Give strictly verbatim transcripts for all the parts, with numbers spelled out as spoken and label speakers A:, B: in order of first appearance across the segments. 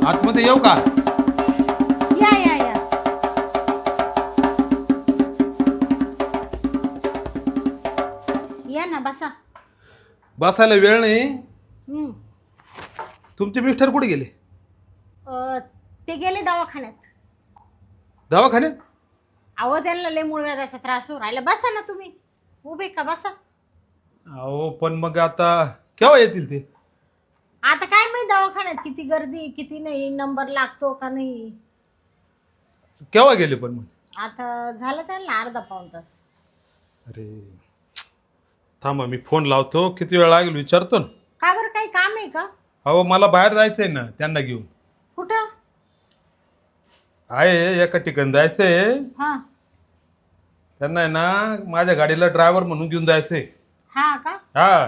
A: आतमध्ये येऊ का?
B: या या या या ना बसा.
A: बसायला वेळ नाही.
B: हम्म.
A: तुमचे मिस्टर कुठे गेले?
B: अ, ते गेले दवाखान्यात.
A: दवाखान्यात?
B: अहो त्यांना लय मूळव्याधाचा त्रास होऊ राहिला. बसा ना तुम्ही, उभे का बसा.
A: अहो पण मग आता केव्हा येतील ते?
B: आता काय माहित दवाखान्यात किती गर्दी किती नाही, नंबर लागतो का नाही.
A: केव्हा गेले पण मग?
B: आता झालं त्यांना अर्धा पाऊण तास.
A: अरे थांबा मी फोन लावतो, किती वेळ लागेल विचारतो ना.
B: का बरं, काही काम आहे का?
A: अहो मला बाहेर जायचंय ना त्यांना घेऊन.
B: कुठं?
A: आहे एका ठिकाणी जायचंय
B: हा
A: त्यांना, आहे ना माझ्या गाडीला ड्रायव्हर म्हणून घेऊन जायचंय.
B: हा का?
A: हा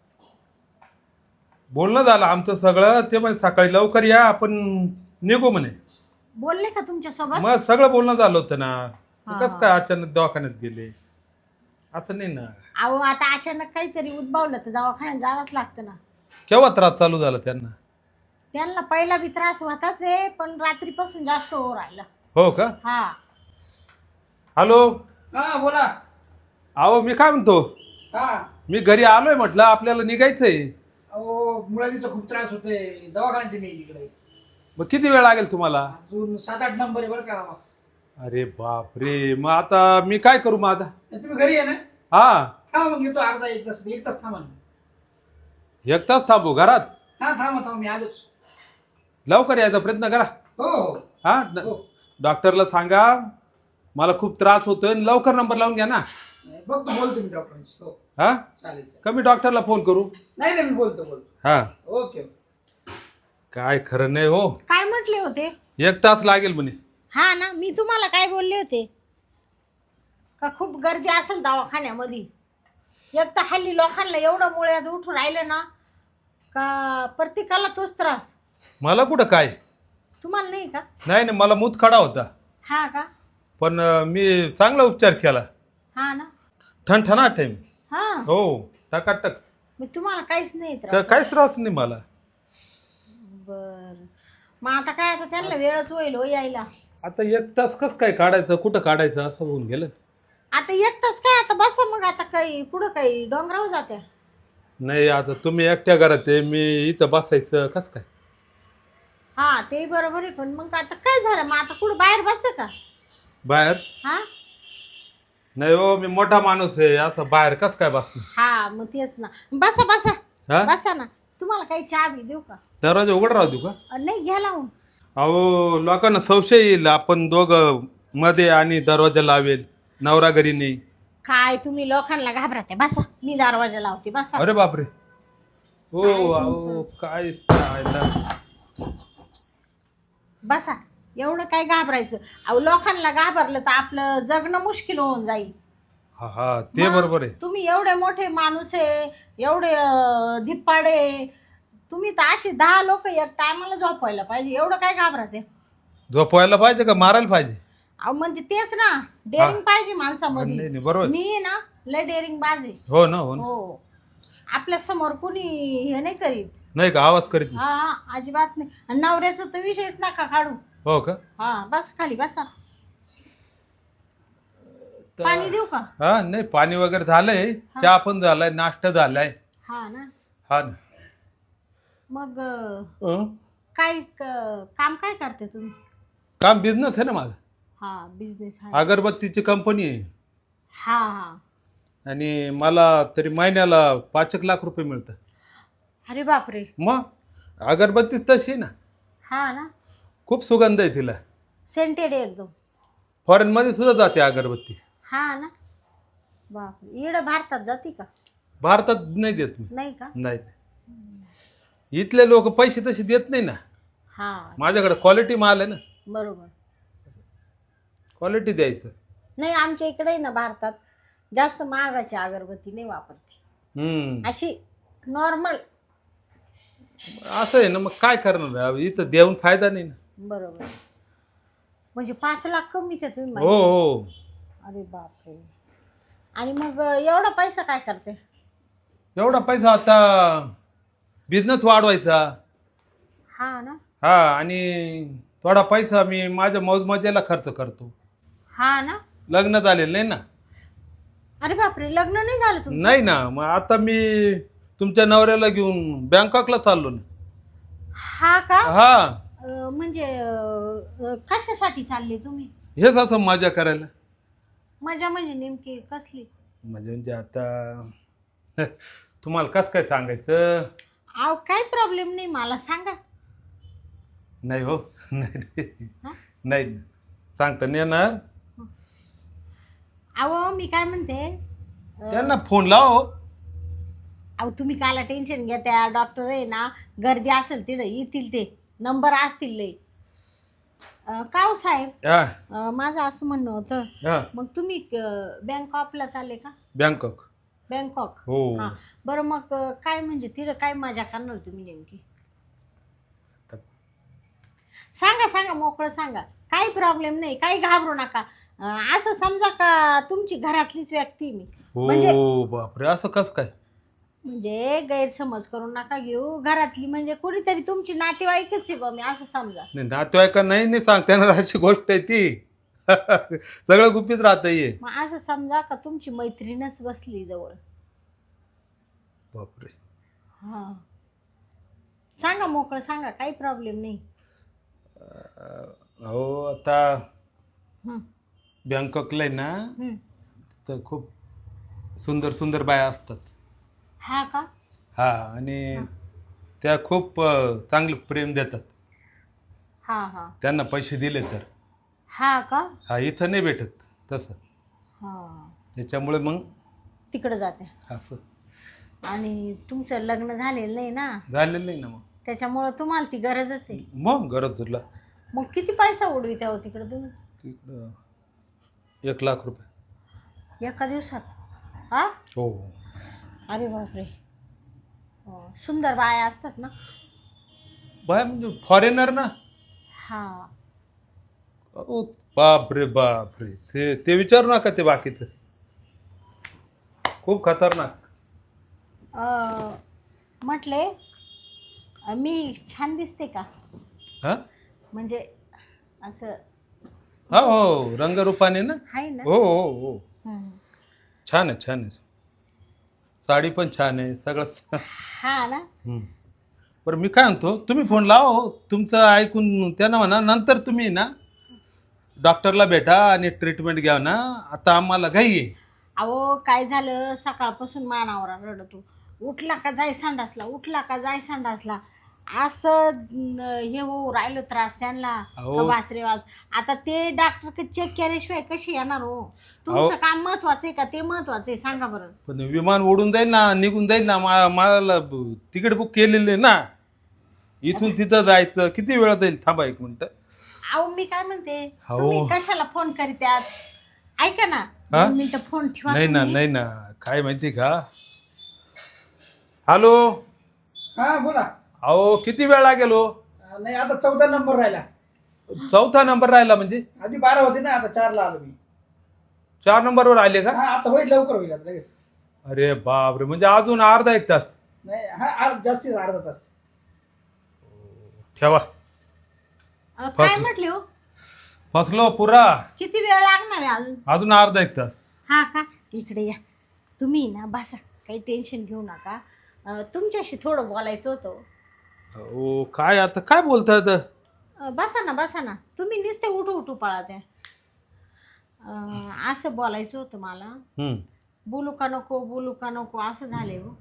A: बोलणं झालं आमचं सगळं. ते म्हणे सकाळी लवकर या आपण निघू म्हणे.
B: बोलले का तुमच्या सोबत?
A: मग सगळं बोलणं झालं होतं ना.
B: हा.
A: कसं काय अचानक दवाखान्यात गेले असं नाही ना.
B: अहो आता अचानक काहीतरी उद्भवलं तर दवाखान्यात जावंच लागतं ना.
A: केव्हा त्रास चालू झाला त्यांना?
B: त्यांना पहिला बी त्रास होताच आहे, पण रात्रीपासून जास्त हो राहिला.
A: हो का?
B: हा
A: हॅलो.
C: हा बोला.
A: अहो मी काय म्हणतो,
C: हा
A: मी घरी आलोय म्हटलं आपल्याला निघायचंय.
C: अहो मुळाजीचा खूप त्रास होतोय, दवाखान्यात मी इकडे.
A: मग किती वेळ लागेल तुम्हाला?
C: अजून सात आठ नंबर आहे बरं का.
A: अरे बाप रे, मग आता मी काय करू मग आता?
C: तुम्ही घरी आहे ना?
A: हा
C: थांबा मग येतो अर्धा एक तास एक तास थांबा ना.
A: एक तास थांबू घरात?
C: हा थांबा थांबा मी आलोच.
A: लवकर यायचा प्रयत्न करा.
C: हो हो
A: हा
C: हो.
A: डॉक्टरला सांगा मला खूप त्रास होतोय, लवकर नंबर लावून घ्या ना.
C: बघतो बोलतो मी डॉक्टरांशी. हो
A: हा
C: चालेल चालेल.
A: कमी डॉक्टरला फोन करू.
C: नाही नाही मी बोलतो बोलतो.
A: हा
C: ओके.
A: काय खरं नाही हो.
B: काय म्हटले होते?
A: एक तास लागेल म्हणे.
B: हा ना, मी तुम्हाला काय बोलले होते का खूप गर्दी असेल दवाखान्यामध्ये. एक तर हल्ली लोकांना एवढं मुळ्यात उठून राहिलं ना का प्रत्येकाला तोच त्रास.
A: मला कुठं काय?
B: तुम्हाला नाही का?
A: नाही नाही मला मूतखडा होता,
B: हा का?
A: पण अं, मी चांगला उपचार केला.
B: हा ना.
A: ठणठणाट आहे मी.
B: हा
A: हो टकाटक.
B: मग तुम्हाला काहीच नाही
A: का-
B: त्रास?
A: काहीच त्रास नाही मला.
B: बर, मग आता काय, आता त्यांना वेळच होईल हो यायला.
A: आता एक तास कस काय काढायचं, कुठं काढायचं असं होऊन गेलं.
B: आता एकटाच काय, आता बसा मग. आता काही पुढं काही डोंगरावर जात्या?
A: नाही आता तुम्ही एकट्या घरात आहे, मी इथं बसायचं कस काय?
B: हा ते बरोबर आहे, पण मग आता काय झालं, मग आता कुठं बाहेर बसतं का?
A: बाहेर?
B: हा
A: नाही हो मी मोठा माणूस आहे, असं बाहेर कस काय बसतो?
B: हा मग तेच ना. बसा बसा
A: हा
B: बसा ना. तुम्हाला काही चहा बी देऊ का?
A: दरवाजा उघड राहू देऊ का?
B: अ, नाही घ्या लावून.
A: अहो लोकांना संशय येईल आपण दोघं मध्ये आणि दरवाजा लावेल, नवरा घरी नाही.
B: काय तुम्ही लोकांना घाबरते. बसा, मी दरवाजा लावते. बसा.
A: अरे बापरे. हो
B: काय
A: अहो
B: तुमचं?
A: काय काय ना.
B: बसा, एवढं काय घाबरायचं. अहो लोकांना घाबरलं तर आपलं जगणं मुश्किल होऊन जाईल.
A: हा हा ते
B: मग
A: बरोबर आहे.
B: तुम्ही एवढे मोठे माणूस आहे, एवढे अं, धिप्पाडे, तुम्ही तर अशी दहा लोक एक टायमाला झोपायला पाहिजे. एवढं काय घाबरते?
A: झोपवायला पाहिजे का मारायला पाहिजे?
B: अहो म्हणजे तेच ना, डेअरिंग पाहिजे
A: नाही
B: माणसामध्ये.
A: नाही बरोबर.
B: मी आहे ना लय डेअरिंग बाज आहे.
A: हो ना हो ना.
B: हो, आपल्या समोर कुणी हे नाही करीत.
A: नाही का आवाज करीत नाही?
B: हा हा, अजिबात नाही. आणि नवऱ्याचा तर विषयच नका काढू.
A: हो का?
B: हा बस खाली बसा.
A: तर-
B: पाणी देऊ का?
A: हा नाही पाणी वगैरे झालंय, चहा पण झालाय, नाश्ता झालाय.
B: हा ना.
A: हा ना.
B: मग अं,
A: अं?
B: काय क- काम काय करते तुम्ही?
A: काम बिझनेस आहे ना माझा.
B: हा बिझनेस आहे.
A: अगरबत्तीची कंपनी आहे
B: हा हा.
A: आणि मला तरी महिन्याला पाच एक लाख रुपये मिळतात.
B: अरे बापरे.
A: मग अगरबत्ती तशी आहे ना,
B: हा ना,
A: खूप सुगंध आहे तिला.
B: सेंटेड आहे एकदम.
A: फॉरेन मध्ये सुद्धा जाते अगरबत्ती.
B: हा ना. बापरे, इकडं भारतात जाती का?
A: भारतात नाही देत मी.
B: नाही का?
A: नाही. इथले लोक पैसे तसे देत नाही ना.
B: हा
A: माझ्याकडे क्वालिटी माल आहे ना,
B: बरोबर.
A: क्वालिटी द्यायचं.
B: नाही आमच्या इकडे ना भारतात जास्त महागाची अगरबत्ती नाही वापरते.
A: हम्म
B: अशी नॉर्मल.
A: असं आहे ना, मग काय करणार इथं देऊन फायदा नाही ना.
B: बरोबर. म्हणजे पाच लाख कमीच आहे तुम्ही
A: हो
B: म्हणता.
A: हो.
B: अरे बापरे. आणि मग एवढा पैसा काय करते?
A: एवढा पैसा आता बिझनेस वाढवायचा.
B: हा ना.
A: हा आणि थोडा पैसा मी माझ्या मौजमजेला खर्च करतो.
B: हा ना.
A: लग्न झालेलं नाही ना.
B: अरे बापरे, लग्न नाही झालं तुमचं?
A: नाही ना, मग आता मी तुमच्या नवऱ्याला घेऊन बँकॉकला चाललो ना.
B: हा का?
A: हा,
B: अं, म्हणजे अं, कशासाठी चालले तुम्ही?
A: हेच असं मजा करायला.
B: मजा म्हणजे नेमकी कसली?
A: म्हणजे म्हणजे आता तुम्हाला कसं काय सांगायचं.
B: अहो काही प्रॉब्लेम नाही, मला सांगा.
A: नाही हो, नाही
B: हा?
A: नाही सांगता नाही येणार.
B: अहो मी काय म्हणते, अं,
A: त्यांना फोन लाव.
B: अहो तुम्ही काला टेन्शन घेत्या, डॉक्टर आहे ना, गर्दी असेल तिथं येतील, ते नंबर असतील लय. अं, का हो साहेब,
A: हा
B: अं, माझं असं म्हणणं होतं,
A: हा,
B: मग तुम्ही बँकॉकला चालले का?
A: बँकॉक.
B: बँकॉक.
A: हो.
B: हा. बरं मग अं, काय म्हणजे तिथं काय मजा करणार तुम्ही नेमकी? सांगा सांगा, मोकळं सांगा, काही प्रॉब्लेम नाही, काही घाबरू नका. अं, असं समजा का तुमची घरातलीच व्यक्ती मी. म्हणजे
A: हो बापरे, असं कसं काय.
B: म्हणजे गैरसमज करून नका घेऊ, घरातली म्हणजे कोणीतरी तुमची नातेवाईकच आहे बा, मी असं समजा.
A: नाही नातेवाईका नाही नाही सांगता येणार अशी गोष्ट आहे ती. सगळं गुपित राहत ये.
B: मग असं समजा का तुमची मैत्रीणच बसली जवळ.
A: बापरे.
B: हा. सांगा, मोकळं सांगा, काही प्रॉब्लेम नाही.
A: अं, अहो आता
B: हं,
A: बँकॉकला आहे ना,
B: हं.
A: तर खूप सुंदर सुंदर बाया असतात.
B: हा का?
A: हा, आणि
B: हा.
A: त्या खूप अं, चांगलं प्रेम देतात.
B: हा हा.
A: त्यांना पैसे दिले तर.
B: हा का?
A: हा, इथं नाही भेटत तसं.
B: हा.
A: त्याच्यामुळे मग
B: तिकडे जाते.
A: असं
B: आणि तुमचं लग्न झालेलं नाही ना,
A: झालेलं नाही ना. मग
B: त्याच्यामुळं तुम्हाला ती गरजच आहे.
A: मग गरज तुला.
B: मग किती पैसा उडवी त्या तिकडे तुम्ही
A: तिकडं एक लाख रुपये
B: एका दिवसात? हा.
A: हो.
B: अरे बापरे. हो. सुंदर बाया असतात ना?
A: बाय म्हणजे फॉरेनर ना.
B: हा.
A: ओ बाप रे बाप रे, ते ते विचारू नका, ते बाकीचं खूप खतरनाक.
B: अं, म्हटले, अं, मी छान दिसते का?
A: हा
B: म्हणजे असं
A: हा, हो रंगरूपाने ना.
B: आहे ना?
A: हो हो हो,
B: हं.
A: छान आहे छान आहे. साडी पण छान आहे सगळं.
B: हा ना.
A: हम्म. बरं मी काय म्हणतो, तुम्ही फोन लावा हो. तुमचं ऐकून त्यांना म्हणा, नंतर तुम्ही ना डॉक्टरला भेटा आणि ट्रीटमेंट घ्या ना. आता आम्हाला घाई आहे.
B: अहो काय झालं, सकाळपासून मानावर रडतो, उठला का जाय संडासला, उठला का जाय संडासला, असं न, हे हो राहिलं त्रास त्यांना.
A: अहो.
B: वासरे वाज. आता ते डॉक्टर चेक केल्याशिवाय कशी येणार हो?
A: अहो.
B: तुमचं काम महत्वाचं आहे का ते महत्वाचं आहे, सांगा बरं.
A: पण विमान उडून जाईल ना, निघून जाईल ना. मा- मला तिकीट बुक केलेलं आहे ना, इथून तिथं जायचं. किती वेळ जाईल, थांबा एक मिनिट.
B: अहो मी काय म्हणते,
A: हो.
B: तुम्ही कशाला फोन करीत्यात? ऐका ना,
A: हा?
B: दोन मिनिटं फोन ठेवा
A: नाही ना
B: तुम्ही.
A: नाही ना, काय माहिती का. हॅलो.
C: हा बोला.
A: अहो किती वेळ लागेल हो?
C: अं, नाही आता चौथा नंबर राहिला.
A: चौथा नंबर राहिला म्हणजे?
C: आधी बारा होते ना, आता चारला आलो मी.
A: चार नंबरवर आले का?
C: हा आता होईल, लवकर होईल आता लगेच.
A: अरे बापरे, म्हणजे अजून अर्धा एक तास.
C: नाही हा अर्ध- जास्तीत अर्धा तास.
A: ठेवा.
B: अं, काय
A: फसलो.
B: म्हटले हो?
A: फसलो पुरा.
B: किती वेळ लागणार आहे अजून?
A: अजून अर्धा एक तास.
B: हा का? इकडे या तुम्ही ना, बसा, काही टेन्शन घेऊ नका. अं, तुमच्याशी थोडं बोलायचं होतं.
A: ओ काय आता काय बोलतायत.
B: अं, बसा ना बसा ना, तुम्ही नुसते उठू उठू पळा त्या. अं, असं बोलायचं होतं मला.
A: हम्म.
B: बोलू का नको, बोलू का नको, असं झालंय हो.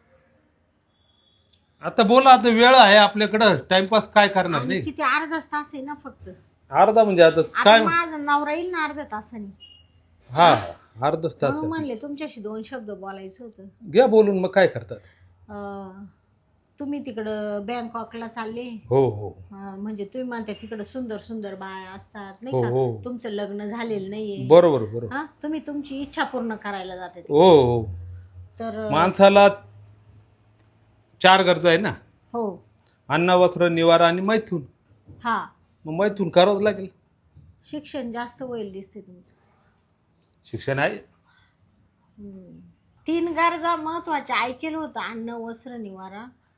A: आता बोला, आता वेळ आहे आपल्याकडं, टाइमपास काय करणार
B: आणि
A: नाही.
B: किती अर्धा तास आहे ना फक्त.
A: अर्धा म्हणजे आता
B: आता
A: काय.
B: माझा नवरा येईल ना अर्ध्या तासाने.
A: हा, अर्धाच तास
B: म्हणून
A: आहे.
B: म्हणले तुमच्याशी दोन शब्द बोलायचं होतं.
A: घ्या बोलून, मग काय करतात.
B: अं, तुम्ही तिकडं बँकॉकला चालले.
A: हो हो
B: अं, म्हणजे तुम्ही म्हणता तिकडं सुंदर सुंदर बाया असतात
A: हो
B: नाही का?
A: हो,
B: तुमचं लग्न झालेलं नाहीये.
A: बरोबर बरोबर.
B: हा, तुम्ही तुमची इच्छा पूर्ण करायला जाते.
A: हो हो,
B: तर
A: माणसाला चार गरजा आहे ना.
B: हो.
A: अन्न, वस्त्र, निवारा आणि मैथून.
B: हा.
A: मग मैथून करावंच लागेल.
B: शिक्षण जास्त होईल दिसते तुमचं.
A: शिक्षण आहे.
B: हम्म. तीन गरजा महत्वाच्या ऐकेलं होतं, अन्न, वस्त्र, निवारा.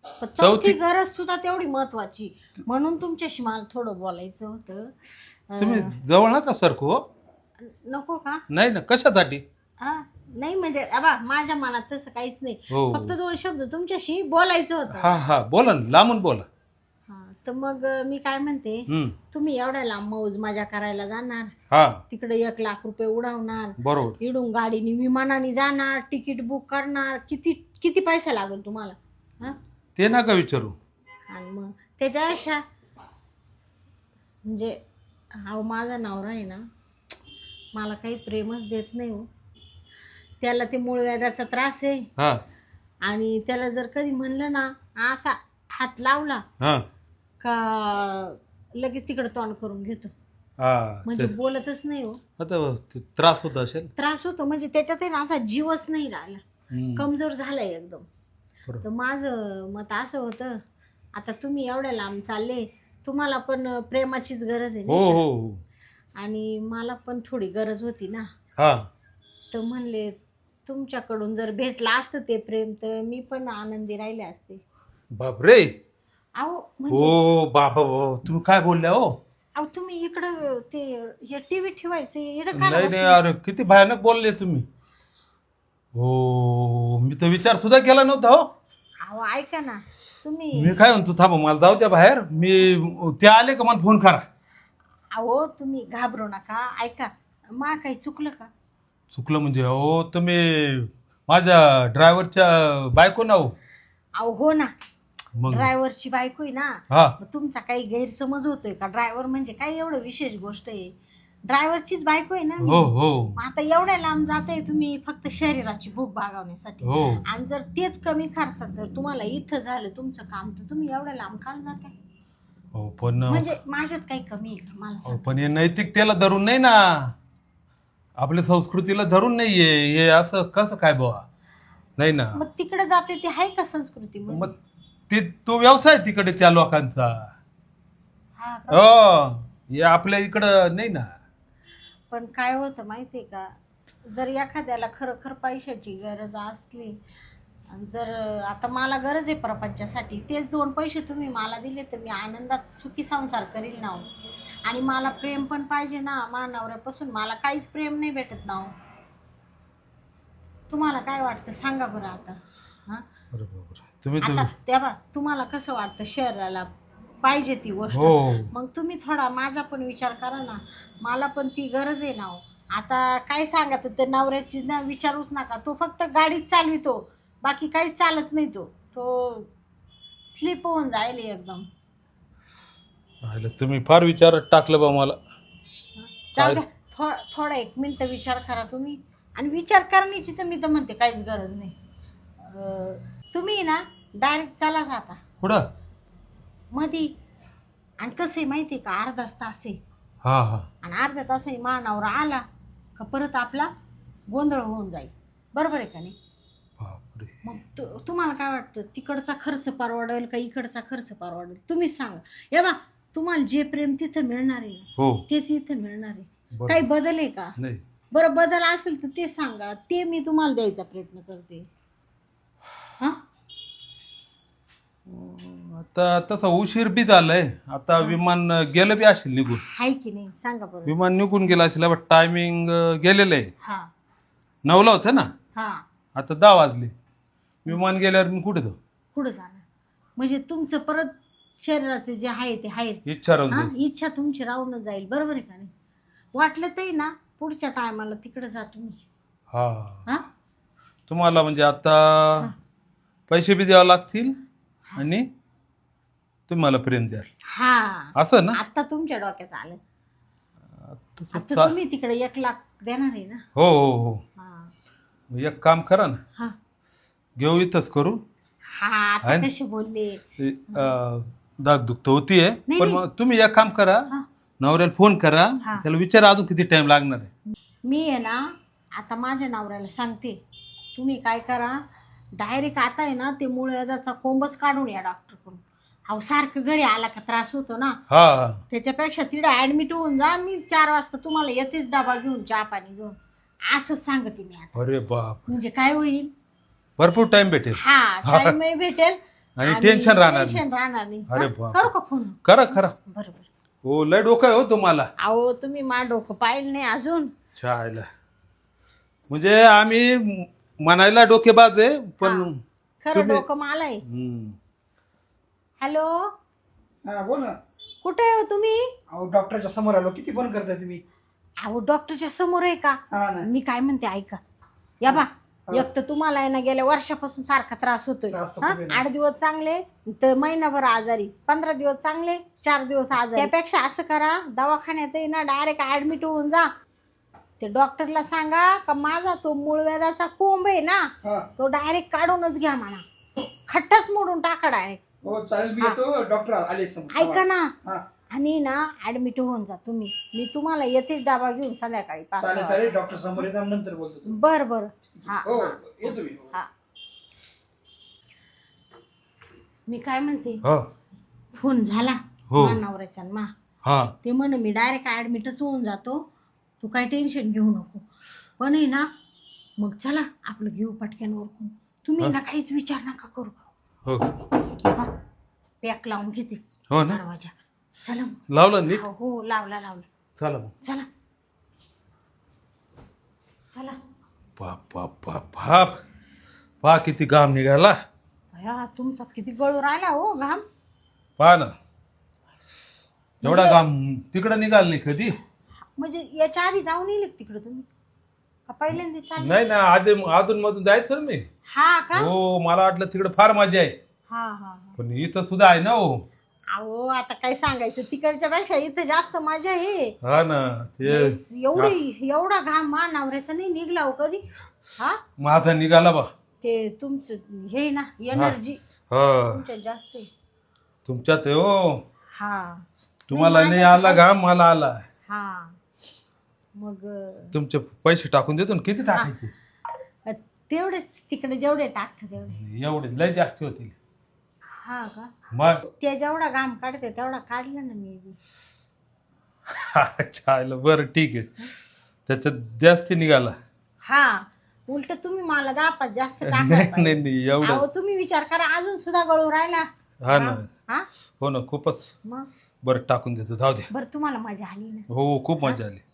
B: पण चौथी
A: चौथी
B: गरज सुद्धा तेवढी महत्वाची, म्हणून तुमच्याशी मला थोडं बोलायचं होतं.
A: तुम्ही
B: अं,
A: जवळ नका सरको हो.
B: नको का?
A: नाही ना, कशासाठी?
B: हा नाही म्हणजे अबा माझ्या मनात तसं काहीच नाही,
A: हो.
B: फक्त दोन शब्द तुमच्याशी बोलायचं होतं.
A: हा हा बोला ना, लांबून बोला.
B: हा तर मग अं, मी काय म्हणते,
A: हम्म.
B: तुम्ही एवढ्या लांब मौज मजा करायला जाणार,
A: हा
B: तिकडे एक लाख रुपये उडवणार,
A: बरोबर.
B: इडून गाडीने विमानाने जाणार, तिकीट बुक करणार, किती किती पैसा लागेल तुम्हाला? हा
A: ते नका विचारू.
B: आणि मग त्याच्या अशा म्हणजे हा माझा नवरा आहे ना, मला काही प्रेमच देत नाही हो. त्याला ते मूळ व्याधाचा त्रास आहे,
A: हा
B: आणि त्याला जर कधी म्हणलं ना असा हात लावला
A: हा
B: का लगेच तिकडे तोंड करून घेतो,
A: हा
B: म्हणजे
A: ते-
B: बोलतच नाही हो.
A: आता ते त्रास होत असेल.
B: त्रास होतो म्हणजे त्याच्यात आहे ना असा जीवच नाही राहिला,
A: हम्म.
B: कमजोर झालाय एकदम.
A: बरोबर.
B: तर माझं मत असं होतं, आता तुम्ही एवढ्या लांब चालले, तुम्हाला पण प्रेमाचीच गरज आहे
A: हो
B: नाही का?
A: हो हो.
B: आणि मला पण थोडी गरज होती ना,
A: हा
B: तर म्हणले तुमच्याकडून जर भेटला असतं ते प्रेम तर मी पण आनंदी राहिले असते.
A: बापरे.
B: अहो म्हणजे
A: हो बाबा हो, तुम्ही काय बोलल्या हो?
B: अहो तुम्ही इकडं ते हे टीव्ही ठेवायचे इकडं
A: नाही नाही
B: का
A: अरे, किती भयानक बोलले तुम्ही. हो, मी तर विचार सुद्धा केला नव्हता हो.
B: अहो ऐका ना तुम्ही.
A: मी काय म्हणतो, थांबा मला जाऊ द्या बाहेर, मी ते आले का मला फोन करा.
B: अहो तुम्ही घाबरू नका, ऐका मा काही चुकलं का?
A: चुकलं म्हणजे हो, तुम्ही माझ्या ड्रायव्हरच्या बायको ना हो.
B: अहो हो ना,
A: मग
B: ड्रायव्हरची बायको आहे ना.
A: हा
B: मग तुमचा काही गैरसमज होतोय का? ड्रायव्हर म्हणजे काय एवढं विशेष गोष्ट आहे? ड्रायव्हरचीच बायको आहे ना मी.
A: हो हो
B: मग आता एवढ्या लांब जाताय तुम्ही फक्त शरीराची भूक भागवण्यासाठी,
A: हो.
B: आणि जर तेच कमी खर्चात जर तुम्हाला इथं झालं तुमचं काम, तर तुम्ही एवढ्या लांब काल जाताय?
A: हो पण
B: म्हणजे माझ्यात काही कमी आहे का मला
A: हो,
B: सांगा?
A: पण हे नैतिकतेला धरून नाही ना, आपल्या संस्कृतीला धरून नाहीये हे, असं कसं काय बुवा? नाही ना.
B: मग तिकडे जाते ते आहे का संस्कृती?
A: मग ते तो व्यवसाय तिकडे त्या लोकांचा.
B: हा का?
A: हो, हे आपल्या इकडं नाही ना.
B: पण काय होतं माहितीये का, जर एखाद्याला खरोखर पैशाची गरज असली, आणि जर आता मला गरज आहे प्रपंचासाठी, तेच दोन पैसे तुम्ही मला दिले तर मी आनंदात सुखी संसार करील ना हो. आणि मला प्रेम पण पाहिजे ना, माझ्या नवऱ्यापासून मला काहीच प्रेम नाही भेटत ना हो. तुम्हाला काय वाटतं सांगा बरं आता? हा
A: बरोबर. तुम्ही
B: आता
A: तर
B: तेव्हा तुम्हाला कसं वाटतं शरीराला पाहिजे ती गोष्ट,
A: हो.
B: मग तुम्ही थोडा माझा पण विचार करा ना, मला पण ती गरज आहे ना हो. आता काय सांगत ते नवऱ्याची ना विचारूच नका, तो फक्त गाडीच चालवितो, बाकी काहीच चालत नाही, तो तो स्लिप होऊन जाईल एकदम.
A: पाहिलं, तुम्ही फार विचारात टाकलं बा मला.
B: जाऊ द्या, थो- थोडा एक मिनिट विचार करा तुम्ही, आणि विचार करण्याची तर मी तर म्हणते काहीच गरज नाही. अं, तुम्ही ना डायरेक्ट चला जाता
A: कुठं?
B: मधी, आणि कसं आहे माहिती आहे का, अर्धाच तास आहे,
A: हा हा
B: आणि अर्ध्या तासाने मानावर आला का परत आपला गोंधळ होऊन जाईल, बरोबर आहे का नाही?
A: बापरे.
B: मग तु- तुम्हाला काय वाटतं, तिकडचा खर्च परवडेल का इकडचा खर्च परवडेल? तुम्हीच सांगा. हे बा, तुम्हाला जे प्रेम तिथं मिळणार आहे
A: हो
B: तेच इथं मिळणार आहे.
A: बरोबर.
B: काही बदल आहे का?
A: नाही.
B: बरं बदल असेल तर ते सांगा, ते मी तुम्हाला द्यायचा प्रयत्न करते. हा
A: आता तसा उशीर बी झालाय, आता विमान गेलं बी असेल निघून.
B: हाय की नाही सांगा बरं?
A: विमान निघून गेलं असेल, टायमिंग गेलेलं आहे.
B: हा
A: नऊला होतं ना,
B: हा
A: आता दहा वाजले. विमान गेल्यावर मी कुठे जाऊ?
B: पुढे जाणार म्हणजे तुमचं परत शरीराचे जे आहे ते आहे,
A: इच्छा राहून
B: हा
A: जाईल.
B: इच्छा तुमची राहूनच जाईल, बरोबर आहे का नाही? वाटलं तरी ना पुढच्या टायमाला तिकडे जा तुम्ही.
A: हा
B: हा
A: तुम्हाला म्हणजे आता
B: हा.
A: पैसे बी द्यावे लागतील, आणि तुम्ही मला प्रेम द्याल,
B: हा
A: असं ना?
B: आता तुमच्या डोक्यात आलं.
A: तसं
B: आता
A: चा-
B: तुम्ही तिकडे एक लाख देणार आहे ना?
A: हो हो हो.
B: हा
A: एक काम करा ना,
B: हा
A: घेऊ इथंच करू.
B: हा आता
A: आहे ना?
B: कसे बोलले.
A: ते, अं, दागदुख तर होतीये,
B: नाही,
A: पण
B: नाही.
A: मग तुम्ही एक काम करा,
B: हा.
A: नवऱ्याला फोन करा,
B: हा.
A: त्याला विचारा अजून किती टाइम लागणार आहे.
B: मी आहे ना आता माझ्या नवऱ्याला सांगते, तुम्ही काय करा, डायरेक्ट आता आहे ना ते मूळ व्याधाचा कोंबच काढून या डॉक्टरकडून. अहो सारखं घरी आला का त्रास होतो ना,
A: हा हा
B: त्याच्यापेक्षा तिकडे ऍडमिट होऊन जा, मी चार वाजता तुम्हाला येतेच डबा घेऊन चहा पाणी घेऊन, असंच सांगते मी आता.
A: अरे बाप,
B: म्हणजे काय होईल,
A: भरपूर टाइम भेटेल.
B: हा टाइमही भेटेल,
A: आणि टेन्शन राहणार नाही.
B: टेन्शन राहणार नाही.
A: अरे
B: हा?
A: बाप.
B: करू का फोन?
A: करा खरा.
B: बरोबर.
A: हो लय डोकं आहे हो तुम्हाला.
B: अहो तुम्ही मा डोकं पाहिलं नाही अजून.
A: छायला म्हणजे आम्ही म्हणायला डोकेबाज आहे पण
B: हा. खरं
A: तुम्ही-
B: डोकं मला आहे.
A: हम्म.
B: हॅलो
C: हा बोल ना.
B: कुठे आहे हो तुम्ही?
C: अहो डॉक्टरच्या समोर आलो. किती फोन करताय तुम्ही?
B: अहो डॉक्टरच्या समोर आहे का?
C: हा ना.
B: मी काय म्हणते ऐका, या बा
C: हा.
B: एक तर तुम्हाला आहे ना गेल्या वर्षापासून सारखा त्रास होतोय.
C: त्रास तर
B: हा?
C: खूप आहे ना.
B: आठ दिवस चांगले तर महिनाभर आजारी, पंधरा दिवस चांगले चार दिवस आजारी. त्यापेक्षा असं करा, दवाखान्यात आहे ना डायरेक्ट ऍडमिट होऊन जा. ते डॉक्टरला सांगा का माझा तो मूळव्याधाचा कोंब आहे ना
C: हा.
B: तो डायरेक्ट काढूनच घ्या म्हणा, खट्टाच मोडून टाका डायरेक्ट.
C: हो चालेल. मी
B: हा.
C: येतो. डॉक्टर आले समोर.
B: ऐका ना
C: हा.
B: आणि ना ऍडमिट होऊन जा तुम्ही. मी तुम्हाला येतेच डबा घेऊन संध्याकाळी पाच
C: चालेल
B: वाजता.
C: चालेल. डॉक्टर समोर येतो नंतर बोलतो तुम्ही.
B: बर बर. हा
C: हो
B: हा.
C: येतो मी.
B: हा. मी काय म्हणते,
A: हो
B: फोन झाला
A: हो.
B: माझ्या नवऱ्याचा मा
A: हा
B: ते म्हण मी डायरेक्ट ऍडमिटच होऊन जातो, तू काय टेन्शन घेऊ नको. पण आहे ना मग चला आपलं घेऊ पटक्यान ओळखून. तुम्ही
A: हा.
B: ना काहीच विचार नका करू.
A: हो
B: पॅक लावून घेते
A: हो ना.
B: दरवाजा. चला मग.
A: लावलं नीट.
B: हो हो लावला लावला.
A: चला मग.
B: चला चला.
A: बाप बाप बाप बाप पहा किती घाम निघाला.
B: भया तुमचा किती गळू राहिला हो घाम.
A: पहा ना एवढा घाम तिकडं निघाल नाही कधी.
B: म्हणजे याच्या आधी जाऊन येईल तिकडे तुम्ही का पहिल्यांदा चालले?
A: नाही ना आधी अधून मधून जायचं ना मी.
B: हा का?
A: हो मला वाटलं तिकडे फार मजा आहे
B: हा हा हा.
A: पण इथं सुद्धा आहे ना हो.
B: अहो आता काय सांगायचं, तिकडच्या पेक्षा इथं जास्त मजा आहे.
A: हा ना ते
B: एवढी एवढा घाम मा नवऱ्याचा नाही निघला हो कधी. हा
A: माझा निघाला बा.
B: ते तुमचं हे ना एनर्जी
A: हा
B: तुमच्यात जास्त आहे.
A: तुमच्यात आहे हो.
B: हा
A: तुम्हाला
B: नाही,
A: नाही
B: माझ्यात
A: आला घाम मला आला.
B: हा मग
A: तुमचे पैसे टाकून देतो ना. किती टाकायचे?
B: अ, तेवढेच तिकडे जेवढे टाकतात तेवढे.
A: एवढे लय जास्त होतील.
B: हा का?
A: मग
B: ते जेवढा घाम काढते तेवढा काढला ना मी बी.
A: चालेल बरं ठीक आहे. त्याच्यात जास्त निघाला.
B: हा उलट तुम्ही मला दहा पाच जास्त
A: नाही
B: टाकायला
A: नाही
B: पाहिजे.
A: नाही
B: अहो
A: एवढं.
B: तुम्ही विचार करा अजून सुद्धा गळू राहिला.
A: हा ना
B: हा
A: हो ना खूपच.
B: मग
A: बरं टाकून देतो जाऊ दे.
B: बरं तुम्हाला मजा आली ना?
A: हो खूप मजा आली.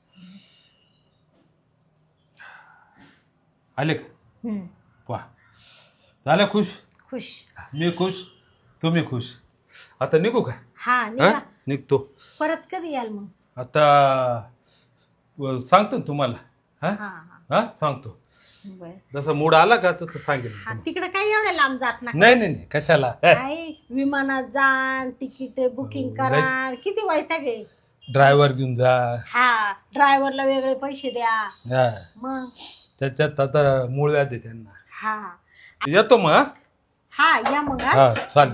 A: आले का?
B: हम्म.
A: वा झालं खुश.
B: खुश.
A: मी खुश तुम्ही खुश. आता निघू का?
B: हा
A: हा
B: निघा.
A: निघतो.
B: परत कधी याल मग?
A: आता व- सांगतो ना तुम्हाला. हा
B: हा हा
A: हा सांगतो.
B: बर.
A: जसा मूड आला का तसं सांगेल
B: हा
A: तुम्हाला.
B: तिकडे काही एवढ्या लांब जात ना?
A: नाही नाही नाही कशाला.
B: काय विमानात जा, तिकीट बुकिंग करा, किती वैताग आहे.
A: ड्रायव्हर घेऊन जा.
B: हा ड्रायव्हरला वेगळे पैसे द्या.
A: हा
B: मग
A: त्याच्यात आता मूळ व्याध आहे त्यांना.
B: हा
A: येतो मग. हा?
B: हा या मग हा.
A: हा चालेल.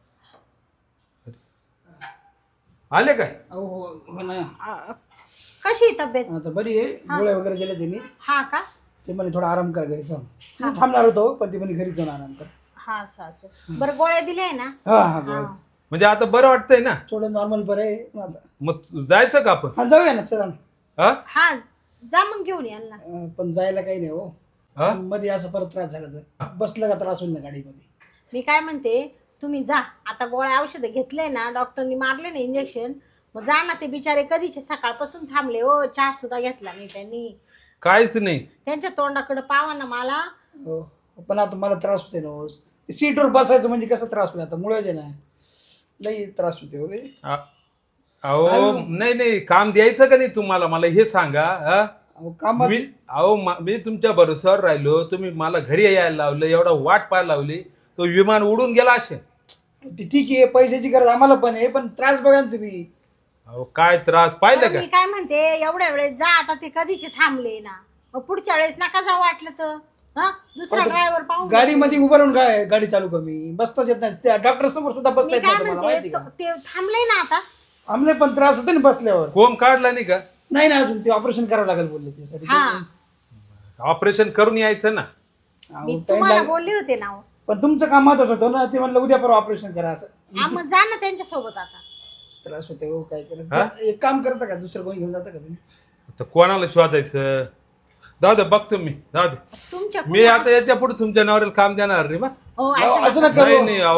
A: आले काय?
C: अहो हो हो ना.
B: अ, कशी आहे तब्येत?
C: आता बरी आहे. गोळ्या वगैरे दिल्या त्यांनी.
B: हा का?
C: ते म्हणे थोडा आराम कर घरी जाऊन.
B: हा.
C: मी थांबणार होतो पण ते म्हणे घरी जाऊन आराम कर.
B: हा असं असं. बरं गोळ्या दिल्या आहे ना?
C: हा हा
B: हा.
C: गोळ्या.
A: म्हणजे आता बरं वाटतंय ना?
C: थोडं नॉर्मल बरं आहे मग आता.
A: मग जायचं का आपण?
C: हा जाऊया ना चला ना.
A: हा
B: हा जा मग घेऊन याल ना.
C: अं, पण जायला काही नाही हो.
A: हा
C: मध्ये असं परत त्रास झाला तर बसलं का त्रास होईल ना गाडीमध्ये.
B: मी काय म्हणते तुम्ही जा आता, गोळ्या औषधं घेतले ना डॉक्टरनी मारले ना इंजेक्शन, मग जा ना. ते बिचारे कधीचे सकाळपासून थांबले हो, चहा सुद्धा घेतला नाही त्यांनी.
A: काहीच नाही.
B: त्यांच्या तोंडाकडे पावा ना मला.
C: हो पण आता मला त्रास होते ना हो. सीटवर बसायचं म्हणजे कसा त्रास होईल आता. मुळे ना लई त्रास होते हो रे.
A: आ- अहो नाही नाही काम द्यायचं का नाही तुम्हाला मला हे सांगा. हा?
C: अहो कामात
A: मी अहो मा- मी तुमच्या भरोश्यावर राहिलो. तुम्ही मला घरी यायला लावलं, एवढा वाट पाहायला लावली. तो विमान उडून गेला असे.
C: ती ठीक आहे, पैशाची गरज आम्हाला पण आहे, पण त्रास बघा ना तुम्ही.
A: अहो काय त्रास पाहिलं
B: बरं,
A: का?
B: मी काय म्हणते एवढ्या वेळेस जा आता, ते कधीचे थांबले ना. मग पुढच्या वेळेस नका जाऊ वाटलं तर. हा दुसरा
C: पण
B: ड्रायव्हर पाहून
C: गाडीमध्ये उभं राहून काय गाडी चालू कमी बसताच येत नाही. त्या डॉक्टर समोर सुद्धा बसता
B: मी
C: येत
B: काय
C: नाही तुम्हाला माहिती
B: म्हणते
C: का?
B: तो- ते थांबले ना आता.
C: आमले पण त्रास होते ना बसल्यावर.
A: कोंब काढला नाही का?
C: नाही ना अजून ते ऑपरेशन करावं लागेल बोलले त्यासाठी.
B: हा
A: ऑपरेशन करून यायचं ना.
C: अहो,
B: मी
C: time
B: तुम्हाला
C: लागेल.
B: बोलले होते ना.
C: पण तुमचं काम महत्वाचं होतं ना. ते म्हणलं उद्या परवा ऑपरेशन करा असं.
B: हा मग जा ना त्यांच्या सोबत आता.
C: त्रास होते हो काय
A: हा?
C: करत. एक काम करता का दुसरं कोणी घेऊन जाता का तुम्ही?
A: आता कोणाला शोधायचं? जाऊ दे बघतो मी. जाऊ दे
B: तुमच्या
A: मी आता याच्या पुढे तुमच्या नवऱ्याला काम देणार रे बा.
B: हो
C: अहो,
B: ऐका
C: असं
B: ना.
C: नका
A: नाही
C: करू.
A: नाही अहो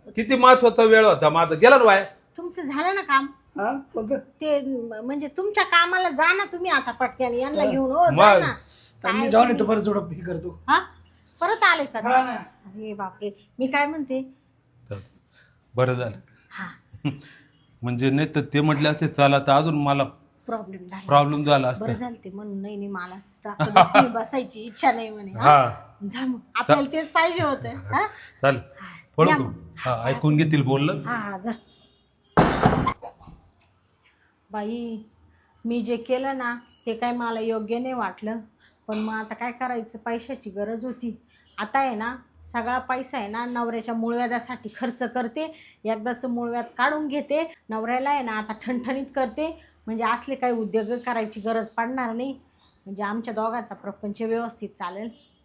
A: किती महत्वाचा वेळ होता माझा, गेला ना वाया.
B: तुमचं झालं ना काम
C: हा कोणतं
B: ते म- म्हणजे तुमच्या कामाला जा ना तुम्ही आता पटक्याने यांना
C: हा.
B: घेऊन हो जा
A: मग.
B: ना.
C: तर मी
B: काय
C: जाऊन येतो
B: तुम्ही-
C: परत जोडप हे करतो.
B: हा परत आले का
C: हा ना.
B: अरे बापरे मी काय म्हणते
A: बरं झालं.
B: हा
A: म्हणजे नाही तर ते म्हटले असते चला तर अजून मला
B: प्रॉब्लेम झाला
A: प्रॉब्लेम झाला
B: बरं
A: असता.
B: झालं ते म्हणून नाही नाही मला जास्त बसली- बसायची इच्छा नाही म्हणे हा?
A: हा
B: जा मग आपल्याला तेच पाहिजे होतं हा?
A: चालेल.
B: हा,
A: फोन
B: या
A: करू.
B: मग.
A: हा ऐकून घेतील बोललं.
B: हा हा जा बाई मी जे केलं ना ते काय मला योग्य नाही वाटलं पण मग आता काय करायचं पैशाची गरज होती आता आहे ना सगळा पैसा आहे ना नवऱ्याच्या मूळव्याधासाठी खर्च करते एकदाच मूळव्याध काढून घेते नवऱ्याला आहे ना आता ठणठणीत करते म्हणजे असले काही उद्योग करायची गरज पडणार नाही म्हणजे आमच्या दोघांचा प्रपंच व्यवस्थित चालेल